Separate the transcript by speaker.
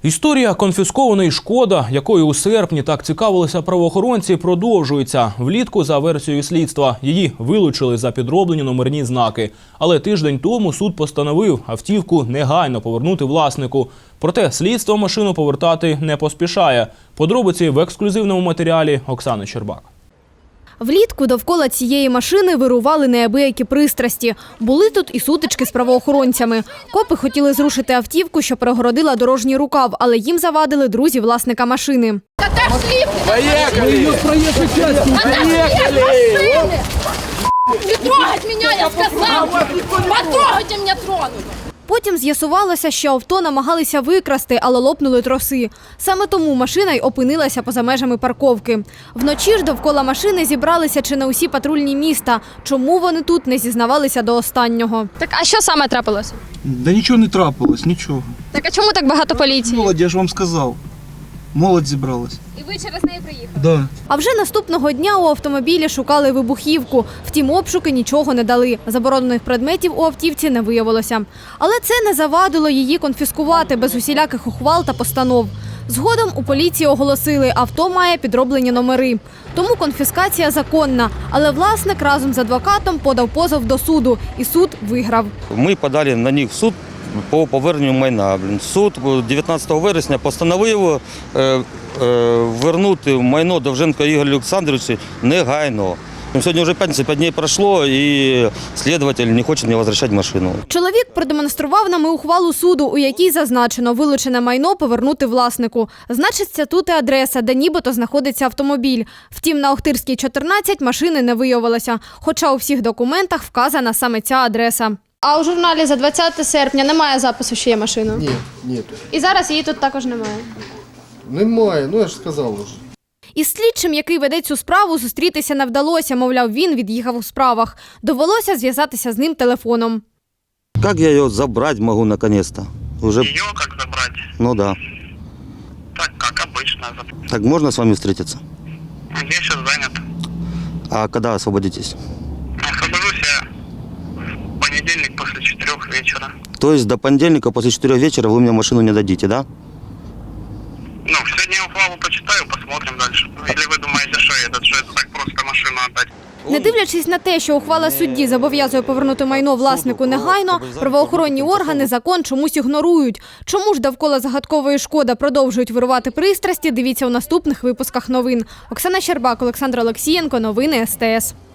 Speaker 1: Історія конфіскованої «Шкода», якою у серпні так цікавилися правоохоронці, продовжується. Влітку, за версією слідства, її вилучили за підроблені номерні знаки. Але тиждень тому суд постановив автівку негайно повернути власнику. Проте слідство машину повертати не поспішає. Подробиці в ексклюзивному матеріалі Оксани Щербак.
Speaker 2: Влітку довкола цієї машини вирували неабиякі пристрасті. Були тут і сутички з правоохоронцями. Копи хотіли зрушити автівку, що перегородила дорожній рукав, але їм завадили друзі власника машини.
Speaker 3: Поехали!
Speaker 4: Не трогать меня, я сказал! Потрогайте меня, тронуть!
Speaker 2: Потім з'ясувалося, що авто намагалися викрасти, але лопнули троси. Саме тому машина й опинилася поза межами парковки. Вночі ж довкола машини зібралися чи не усі патрульні міста. Чому вони тут не зізнавалися до останнього?
Speaker 5: Так, а що саме трапилося?
Speaker 3: Да нічого не трапилось, нічого.
Speaker 5: Так, а чому так багато поліції?
Speaker 3: Молодь, я ж вам сказав. Молодь зібралась.
Speaker 5: І ви через неї приїхали?
Speaker 3: Да.
Speaker 2: А вже наступного дня у автомобілі шукали вибухівку. Втім, обшуки нічого не дали. Заборонених предметів у автівці не виявилося. Але це не завадило її конфіскувати без усіляких ухвал та постанов. Згодом у поліції оголосили, авто має підроблені номери. Тому конфіскація законна. Але власник разом з адвокатом подав позов до суду. І суд виграв.
Speaker 6: Ми подали на них в суд по поверненню майна. Суд 19 вересня постановив вернути майно Довженко Ігорю Олександровичу негайно. Сьогодні вже п'ятниця, 5 днів пройшло, і слідчий не хоче мені повертати машину.
Speaker 2: Чоловік продемонстрував нам і ухвалу суду, у якій зазначено вилучене майно повернути власнику. Значиться тут і адреса, де нібито знаходиться автомобіль. Втім, на Охтирській, 14 машини не виявилося, хоча у всіх документах вказана саме ця адреса.
Speaker 5: А у журналі за 20 серпня немає запису, що є машина?
Speaker 7: Ні, ні.
Speaker 5: І зараз її тут також немає?
Speaker 7: Немає, ну я ж сказав уже.
Speaker 2: Із слідчим, який веде цю справу, зустрітися не вдалося, мовляв, він від'їхав у справах. Довелося зв'язатися з ним телефоном.
Speaker 6: Як я її забрати можу наконец-то? Уже...
Speaker 8: Ее как забрать?
Speaker 6: Ну да.
Speaker 8: Так, как обычно.
Speaker 6: Так можно с вами встретиться?
Speaker 8: Я сейчас занят.
Speaker 6: А когда освободитесь?
Speaker 8: Освобожусь я в понедельник после 4 вечера.
Speaker 6: То есть до понедельника после 4 вечера вы мне машину не дадите, да?
Speaker 8: Ну, сегодня я ухвалу почитаю, посмотрим дальше. Или вы думаете, что это так просто машину отдать?
Speaker 2: Не дивлячись на те, що ухвала судді зобов'язує повернути майно власнику негайно, правоохоронні органи закон чомусь ігнорують. Чому ж довкола загадкової «Шкода» продовжують вирувати пристрасті, дивіться у наступних випусках новин. Оксана Щербак, Олександр Олексієнко, новини СТС.